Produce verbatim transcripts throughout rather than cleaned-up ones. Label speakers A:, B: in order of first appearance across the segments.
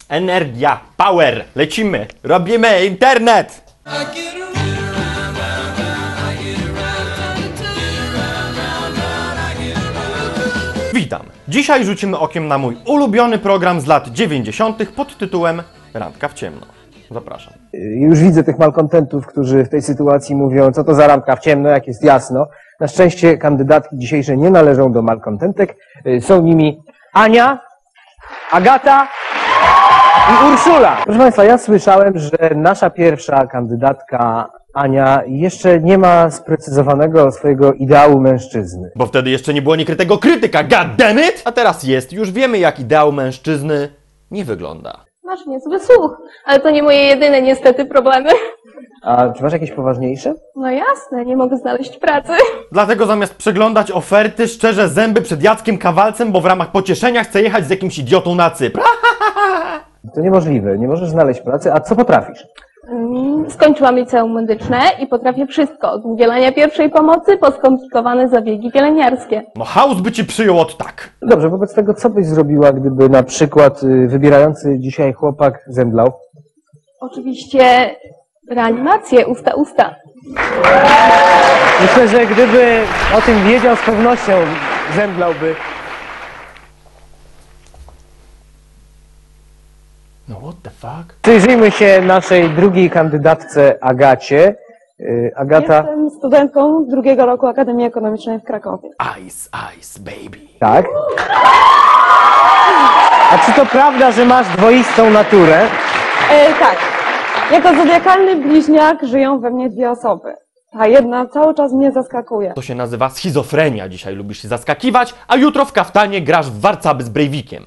A: Energia, power, lecimy, robimy internet! Witam! Dzisiaj rzucimy okiem na mój ulubiony program z lat dziewięćdziesiątych pod tytułem Randka w ciemno. Zapraszam.
B: Już widzę tych malkontentów, którzy w tej sytuacji mówią, co to za randka w ciemno, jak jest jasno. Na szczęście kandydatki dzisiejsze nie należą do malkontentek. Są nimi Ania, Agata i Urszula. Proszę Państwa, ja słyszałem, że nasza pierwsza kandydatka Ania jeszcze nie ma sprecyzowanego swojego ideału mężczyzny.
A: Bo wtedy jeszcze nie było niekrytego krytyka, god damn it! A teraz jest, już wiemy jak ideał mężczyzny nie wygląda.
C: Masz niezły słuch, ale to nie moje jedyne niestety problemy.
B: A czy masz jakieś poważniejsze?
C: No jasne, nie mogę znaleźć pracy.
A: Dlatego zamiast przeglądać oferty, szczerze zęby przed Jackiem Kawalcem, bo w ramach pocieszenia chcę jechać z jakimś idiotą na Cypr.
B: To niemożliwe, nie możesz znaleźć pracy, a co potrafisz?
C: Skończyłam liceum medyczne i potrafię wszystko. Od udzielania pierwszej pomocy po skomplikowane zabiegi pielęgniarskie.
A: No chaos by ci przyjął od tak.
B: Dobrze, wobec tego co byś zrobiła, gdyby na przykład y, wybierający dzisiaj chłopak zemdlał?
C: Oczywiście reanimację usta-usta.
B: Myślę, że gdyby o tym wiedział, z pewnością zemdlałby.
A: No what the fuck?
B: Przyjrzyjmy się naszej drugiej kandydatce Agacie. Y, Agata...
D: Jestem studentką drugiego roku Akademii Ekonomicznej w Krakowie.
A: Ice, ice, baby.
B: Tak? A czy to prawda, że masz dwoistą naturę?
D: E, tak. Jako zodiakalny bliźniak żyją we mnie dwie osoby. Ta jedna cały czas mnie zaskakuje.
A: To się nazywa schizofrenia. Dzisiaj lubisz się zaskakiwać, a jutro w kaftanie grasz w warcaby z Breivikiem.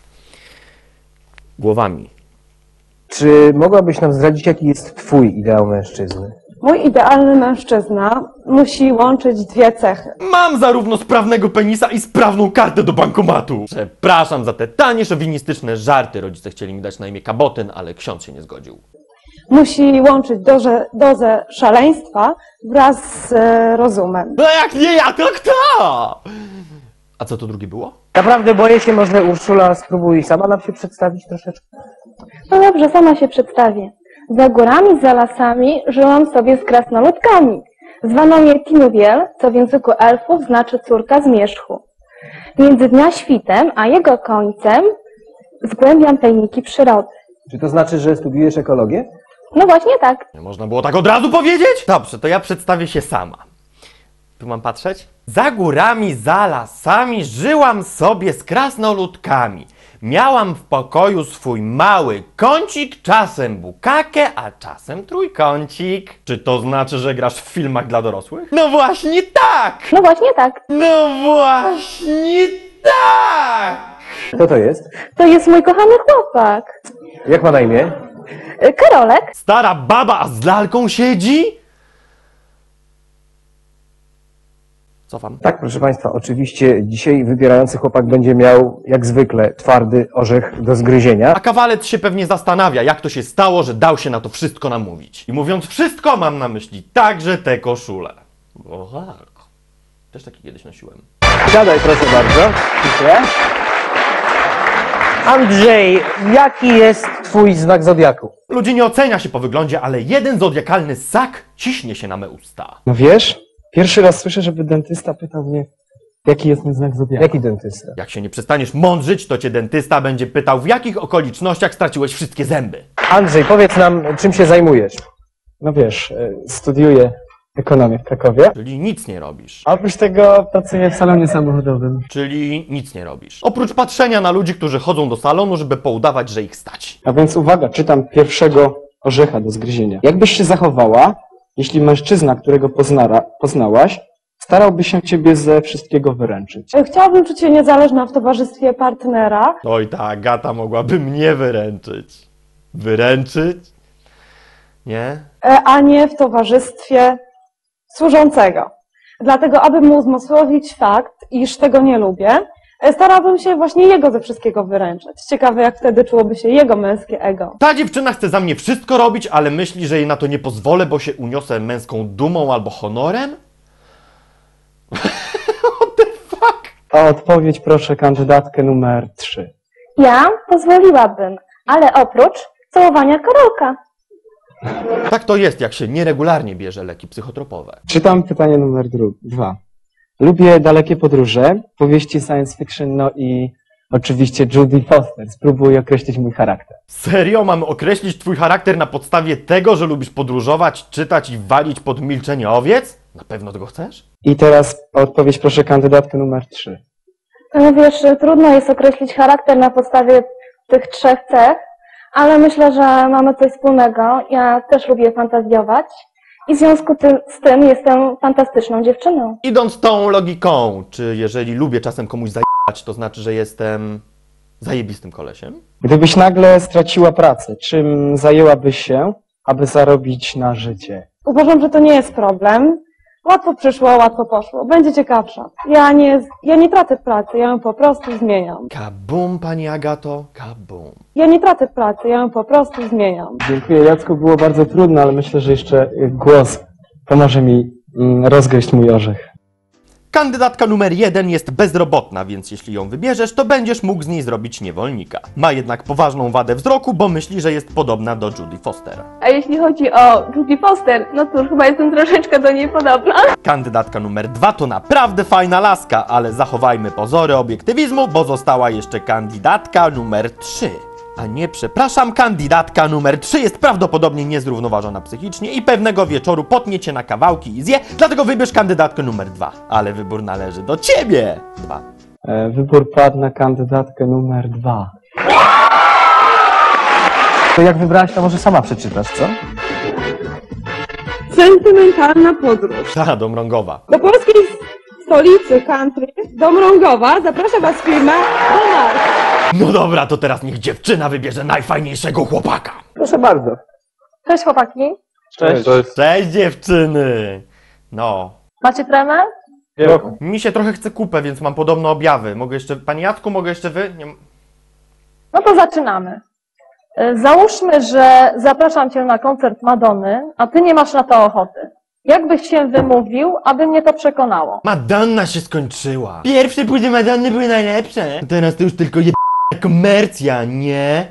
A: Głowami.
B: Czy mogłabyś nam zdradzić, jaki jest twój ideał mężczyzny?
D: Mój idealny mężczyzna musi łączyć dwie cechy.
A: Mam zarówno sprawnego penisa i sprawną kartę do bankomatu. Przepraszam za te tanie, szowinistyczne żarty. Rodzice chcieli mi dać na imię Kabotyn, ale ksiądz się nie zgodził.
D: Musi łączyć dozę, dozę szaleństwa wraz z e, rozumem.
A: No jak nie ja, to kto? A co to drugie było?
B: Naprawdę boję się, może Urszula spróbuj sama nam się przedstawić troszeczkę.
C: No dobrze, sama się przedstawię. Za górami, za lasami żyłam sobie z krasnoludkami. Zwano mnie Tinuwiel, co w języku elfów znaczy córka zmierzchu. Między dnia świtem a jego końcem zgłębiam tajniki przyrody.
B: Czy to znaczy, że studiujesz ekologię?
C: No właśnie tak.
A: Nie można było tak od razu powiedzieć? Dobrze, to ja przedstawię się sama. Tu mam patrzeć? Za górami, za lasami żyłam sobie z krasnoludkami. Miałam w pokoju swój mały kącik, czasem bukakę, a czasem trójkącik. Czy to znaczy, że grasz w filmach dla dorosłych? No właśnie tak!
C: No właśnie tak.
A: No właśnie tak!
B: Kto to jest?
C: To jest mój kochany chłopak.
B: Jak ma na imię?
C: Y, Karolek.
A: Stara baba, a z lalką siedzi? Cofam.
B: Tak, proszę Państwa, oczywiście dzisiaj wybierający chłopak będzie miał, jak zwykle, twardy orzech do zgryzienia.
A: A kawalec się pewnie zastanawia, jak to się stało, że dał się na to wszystko namówić. I mówiąc wszystko, mam na myśli także te koszule. O tak. Też taki kiedyś nosiłem.
B: Siadaj, proszę bardzo. Dziękuję. Andrzej, jaki jest twój znak zodiaku?
A: Ludzi nie ocenia się po wyglądzie, ale jeden zodiakalny ssak ciśnie się na me usta.
E: No wiesz, pierwszy raz słyszę, żeby dentysta pytał mnie, jaki jest mój znak zodiaku.
B: Jaki dentysta?
A: Jak się nie przestaniesz mądrzyć, to cię dentysta będzie pytał, w jakich okolicznościach straciłeś wszystkie zęby.
B: Andrzej, powiedz nam, czym się zajmujesz?
E: No wiesz, e, studiuję ekonomię w Krakowie.
A: Czyli nic nie robisz.
E: A oprócz tego pracuję w salonie samochodowym.
A: Czyli nic nie robisz. Oprócz patrzenia na ludzi, którzy chodzą do salonu, żeby poudawać, że ich stać.
E: A więc uwaga, czytam pierwszego orzecha do zgryzienia. Jakbyś się zachowała, jeśli mężczyzna, którego poznara, poznałaś, starałby się ciebie ze wszystkiego wyręczyć?
D: E, Chciałabym czuć się niezależna w towarzystwie partnera.
A: Oj, ta Agata mogłaby mnie wyręczyć. Wyręczyć? Nie?
D: E, a nie w towarzystwie służącego. Dlatego, aby mu uzmysłowić fakt, iż tego nie lubię, e, starałabym się właśnie jego ze wszystkiego wyręczyć. Ciekawe, jak wtedy czułoby się jego męskie ego.
A: Ta dziewczyna chce za mnie wszystko robić, ale myśli, że jej na to nie pozwolę, bo się uniosę męską dumą albo honorem? What the fuck?
E: O odpowiedź proszę kandydatkę numer trzy.
C: Ja pozwoliłabym, Ale oprócz całowania Karolka.
A: Tak to jest, jak się nieregularnie bierze leki psychotropowe.
E: Czytam pytanie numer dru- dwa. Lubię dalekie podróże, powieści science fiction, no i oczywiście Judy Foster. Spróbuj określić mój charakter.
A: Serio? Mamy określić twój charakter na podstawie tego, że lubisz podróżować, czytać i walić pod milczenie owiec? Na pewno tego chcesz?
E: I teraz odpowiedź proszę kandydatkę numer trzy.
C: No wiesz, trudno jest określić charakter na podstawie tych trzech cech, ale myślę, że mamy coś wspólnego. Ja też lubię fantazjować i w związku ty- z tym jestem fantastyczną dziewczyną.
A: Idąc tą logiką, czy jeżeli lubię czasem komuś zajebać, to znaczy, że jestem zajebistym kolesiem?
E: Gdybyś nagle straciła pracę, czym zajęłabyś się, aby zarobić na życie?
D: Uważam, że to nie jest problem. Łatwo przyszło, łatwo poszło. Będzie ciekawsza. Ja nie, ja nie tracę pracy, ja ją po prostu zmieniam.
A: Kabum, pani Agato, kabum.
D: Ja nie tracę pracy, ja ją po prostu zmieniam.
E: Dziękuję Jacku, było bardzo trudno, ale myślę, że jeszcze y, głos pomoże mi mm, rozgryźć mój orzech.
A: Kandydatka numer jeden jest bezrobotna, więc jeśli ją wybierzesz, to będziesz mógł z niej zrobić niewolnika. Ma jednak poważną wadę wzroku, bo myśli, że jest podobna do Judy Foster.
C: A jeśli chodzi o Judy Foster, no cóż, chyba jestem troszeczkę do niej podobna.
A: Kandydatka numer dwa to naprawdę fajna laska, ale zachowajmy pozory obiektywizmu, bo została jeszcze kandydatka numer trzy. A nie, przepraszam, kandydatka numer trzy jest prawdopodobnie niezrównoważona psychicznie i pewnego wieczoru potnie cię na kawałki i zje, dlatego wybierz kandydatkę numer dwa. Ale wybór należy do ciebie! Dwa.
E: E, wybór padł na kandydatkę numer dwa.
B: To jak wybrałaś, to może sama przeczytasz, co?
D: Sentymentalna podróż.
A: Ta, Domrągowa.
D: Do polskiej stolicy country, do Mrągowa, zaprasza Was firma Donar.
A: No dobra, to teraz niech dziewczyna wybierze najfajniejszego chłopaka.
B: Proszę bardzo.
C: Cześć chłopaki.
B: Cześć.
A: Cześć dziewczyny! No,
C: Macie tremę?
A: mi się trochę chce kupę, więc mam podobne objawy. Mogę jeszcze, panie Jacku, mogę jeszcze wy? Nie...
C: No to zaczynamy. Y, Załóżmy, że zapraszam cię na koncert Madonny, a ty nie masz na to ochoty. Jak byś się wymówił, aby mnie to przekonało?
A: Madonna się skończyła. Pierwsze płyty Madonny były najlepsze. Teraz to już tylko je... komercja, nie?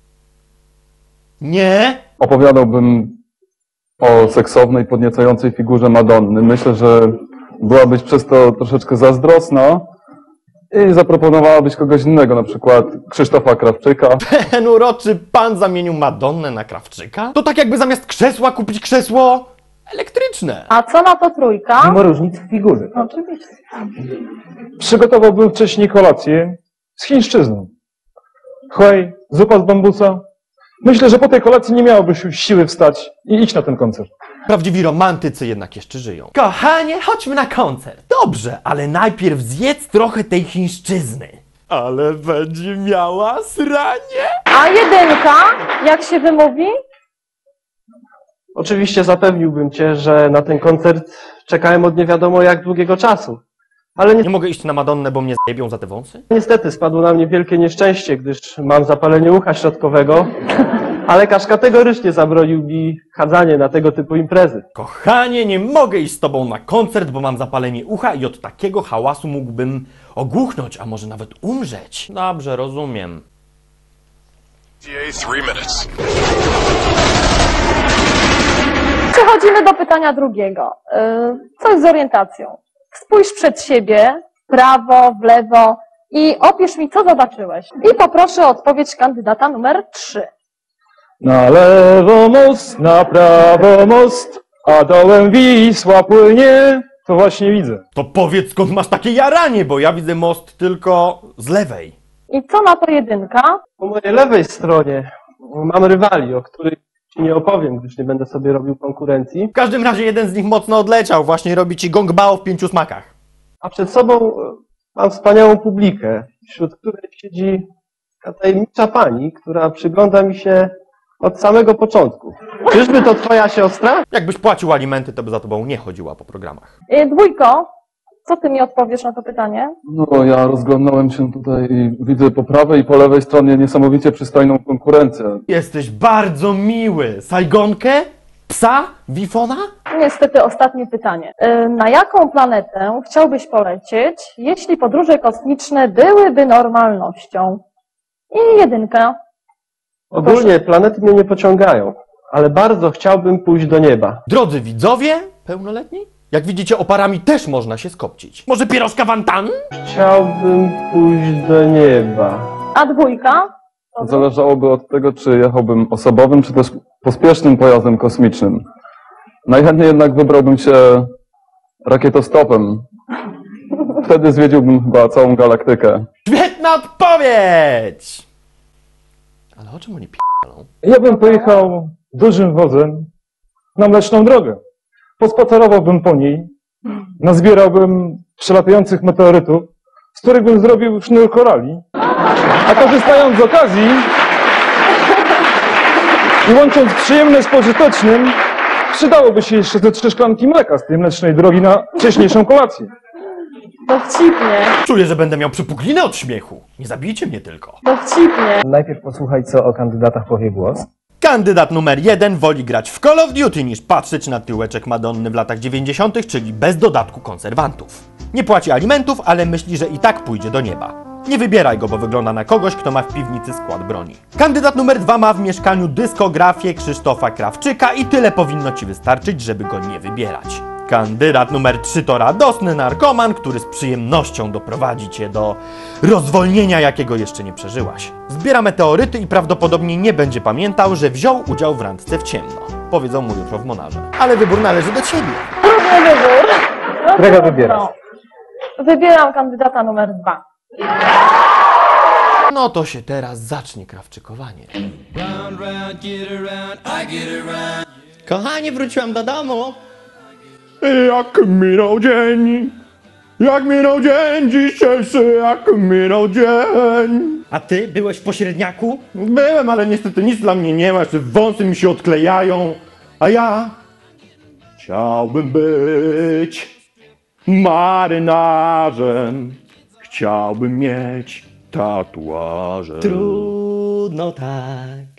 A: Nie?
F: Opowiadałbym o seksownej, podniecającej figurze Madonny. Myślę, że byłabyś przez to troszeczkę zazdrosna i zaproponowałabyś kogoś innego, na przykład Krzysztofa Krawczyka.
A: Ten uroczy pan zamienił Madonnę na Krawczyka? To tak jakby zamiast krzesła kupić krzesło elektryczne.
C: A co na to trójka?
B: Mimo różnic w figurze.
C: Oczywiście.
G: Przygotowałbym wcześniej kolację z chińszczyzną. Chłej, zupa z bambusa. Myślę, że po tej kolacji nie miałobyś już siły wstać i iść na ten koncert.
A: Prawdziwi romantycy jednak jeszcze żyją. Kochanie, chodźmy na koncert. Dobrze, ale najpierw zjedz trochę tej chińszczyzny. Ale będzie miała sranie.
C: A jedynka, jak się wymówi?
B: Oczywiście zapewniłbym cię, że na ten koncert czekałem od nie wiadomo jak długiego czasu. Ale ni-
A: Nie mogę iść na Madonnę, bo mnie zjebią za te wąsy?
B: niestety spadło na mnie wielkie nieszczęście, gdyż mam zapalenie ucha środkowego, a lekarz kategorycznie zabronił mi chadzanie na tego typu imprezy.
A: Kochanie, nie mogę iść z tobą na koncert, bo mam zapalenie ucha i od takiego hałasu mógłbym ogłuchnąć, a może nawet umrzeć. Dobrze, rozumiem.
H: Three minutes.
C: Przechodzimy do pytania drugiego. Yy, Coś z orientacją. Spójrz przed siebie, w prawo, w lewo i opisz mi, co zobaczyłeś. I poproszę o odpowiedź kandydata numer trzy.
G: Na lewo most, na prawo most, a dołem Wisła płynie. To właśnie widzę.
A: To powiedz, skąd masz takie jaranie, bo ja widzę most tylko z lewej.
C: I co na to jedynka?
B: Po mojej lewej stronie mam rywali, o których ci nie opowiem, gdyż nie będę sobie robił konkurencji.
A: W każdym razie jeden z nich mocno odleciał, właśnie robi ci gong bao w pięciu smakach.
B: A przed sobą e, mam wspaniałą publikę, wśród której siedzi taka tajemnicza pani, która przygląda mi się od samego początku. Czyżby to twoja siostra?
A: Jakbyś płacił alimenty, to by za tobą nie chodziła po programach.
C: Yy, Dwójko, co ty mi odpowiesz na to pytanie?
F: No, ja rozglądnąłem się tutaj i widzę po prawej i po lewej stronie niesamowicie przystojną konkurencję.
A: Jesteś bardzo miły. Sajgonkę? Psa? Wifona?
C: Niestety ostatnie pytanie. Yy, Na jaką planetę chciałbyś polecieć, jeśli podróże kosmiczne byłyby normalnością? I jedynka.
H: Ogólnie planety mnie nie pociągają, ale bardzo chciałbym pójść do nieba.
A: Drodzy widzowie, pełnoletni? Jak widzicie, oparami też można się skopcić. Może pierożka wantan?
H: Chciałbym pójść do nieba.
D: A dwójka?
F: Zależałoby od tego, czy jechałbym osobowym, czy też pospiesznym pojazdem kosmicznym. Najchętniej jednak wybrałbym się rakietostopem. Wtedy zwiedziłbym chyba całą galaktykę.
A: Świetna odpowiedź! Ale o czym oni p***ą?
G: Ja bym pojechał dużym wozem na Mleczną Drogę. Pospacerowałbym po niej, nazbierałbym przelatających meteorytów, z których bym zrobił sznur korali, a korzystając z okazji i łącząc przyjemne z pożytecznym, przydałoby się jeszcze te trzy szklanki mleka z tej Mlecznej Drogi na wcześniejszą kolację.
D: Dowcipnie,
A: Czuję, że będę miał przypuklinę od śmiechu. Nie zabijcie mnie tylko.
D: dowcipnie.
B: Najpierw posłuchaj, co o kandydatach powie głos.
A: Kandydat numer jeden woli grać w Call of Duty niż patrzeć na tyłeczek Madonny w latach dziewięćdziesiątych, czyli bez dodatku konserwantów. Nie płaci alimentów, ale myśli, że i tak pójdzie do nieba. Nie wybieraj go, bo wygląda na kogoś, kto ma w piwnicy skład broni. Kandydat numer dwa ma w mieszkaniu dyskografię Krzysztofa Krawczyka i tyle powinno ci wystarczyć, żeby go nie wybierać. Kandydat numer trzy to radosny narkoman, który z przyjemnością doprowadzi cię do rozwolnienia, jakiego jeszcze nie przeżyłaś. Zbiera meteoryty i prawdopodobnie nie będzie pamiętał, że wziął udział w randce w ciemno. Powiedzą mu jutro w Monarze. Ale wybór należy do ciebie.
D: Trudny wybór. No
B: Którego
D: trudno.
B: wybierasz?
D: Wybieram kandydata numer dwa.
A: No to się teraz zacznie krawczykowanie. Kochanie, wróciłam do domu. Jak minął dzień, jak minął dzień dzisiejszy, jak minął dzień. A ty byłeś w pośredniaku? Byłem, ale niestety nic dla mnie nie ma, jeszcze wąsy mi się odklejają. A ja chciałbym być marynarzem, chciałbym mieć tatuaże. Trudno tak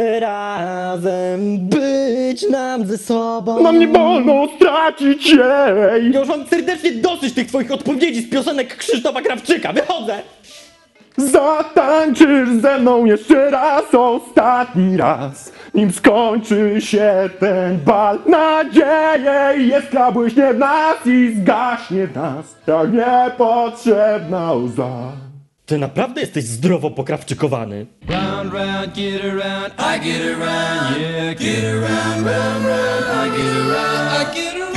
A: razem być nam ze sobą. Mam nie wolno stracić jej. Ja już mam serdecznie dosyć tych twoich odpowiedzi z piosenek Krzysztofa Krawczyka. Wychodzę! Zatańczysz ze mną jeszcze raz, ostatni raz, nim skończy się ten bal. Nadzieję jest błyśnie w nas i zgaśnie w nas, jak niepotrzebna łza. Ty naprawdę jesteś zdrowo pokrawczykowany.
I: Round, round, get around, I get around, yeah, get around, round, round, I get around, I get around.